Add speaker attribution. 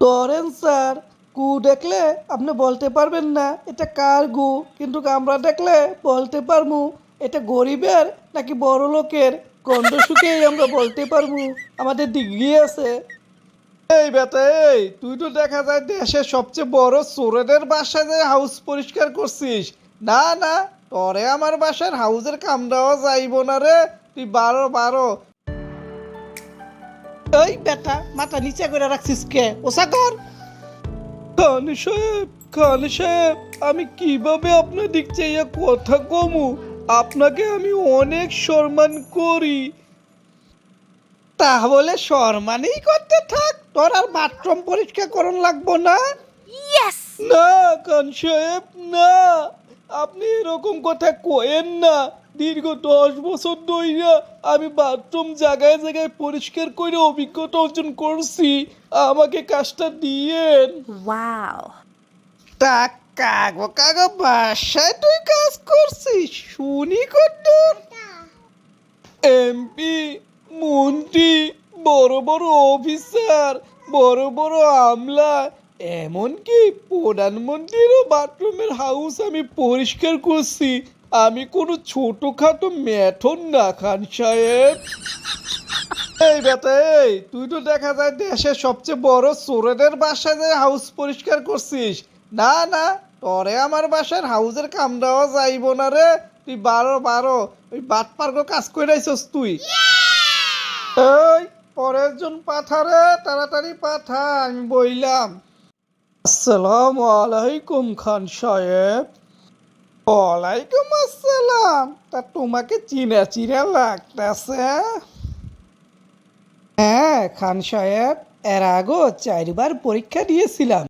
Speaker 1: ধরেন স্যার, গু দেখলে আপনি বলতে পারবেন না এটা কার গু, কিন্তু আমরা দেখলে বলতে পারবো এটা গরিবের নাকি বড় লোকের। গন্ধ শুকেই আমরা বলতে পারবো আমাদের ডিগ্রি আছে। এই বেটা, এই তুই তো দেখা যায় দেশের সবচেয়ে বড় চোরেদের বাসায় যে হাউস পরিষ্কার করছিস। না না, তোরে আমার বাসার হাউসের কাম দেওয়া যাইব না রে। তুই বারো বারো। এই বেটা, মাথা নিচে করে রাখছিস কে? ওসা কর। খান সাহেব, খান সাহেব, আমি কিভাবে আপনার দিক চাইয়া কথা কমু? আপনাকে আমি অনেক সম্মান করি। তাহলে সম্মানই করতে থাক, তোর আর বাথরুম পরিষ্কার করন লাগবো না।
Speaker 2: Yes!
Speaker 1: না খান সাহেব, না, আপনি এরকম কথা কয়েন না। দীর্ঘ 10 বছর ধইরা আমি বাথরুম জায়গায় জায়গায় পরিষ্কার করে অভিজ্ঞতা অর্জন করছি। আমাকে কাজটা দিয়েন।
Speaker 2: Wow.
Speaker 1: তা কাগো কাগো বাসায় তুই কাজ করছিস শুনি কদ্দুর? এমপি, মন্ত্রী, বড় বড় অফিসার, বড় বড় আমলা, এমনকি প্রধানমন্ত্রীরও বাথরুমের হাউস আমি পরিষ্কার করছি। আমি কোনো ছোটখাটো মেথর না খান সাহেব। এই বেটা, এই তুই তো দেখা যায় দেশের সবচেয়ে বড় চোরেদের বাসায় যে হাউস পরিষ্কার করছিস। না না, তোরে আমার বাসার হাউসের কাম দেওয়া যাইব না রে। তুই বারো বারো, ওই বাট পার্ক কাজ করে আইছস তুই। এই পরের জন পাঠা রে, তাড়াতাড়ি পাঠা, আমি বইলাম। আসসালামু আলাইকুম খান সাহেব। ওয়ালাইকুম আসসালাম। তা তোমাকে চিনা চিনা লাগতেছে। হ্যাঁ খান সাহেব, এর আগেও 4বার পরীক্ষা দিয়েছিলাম।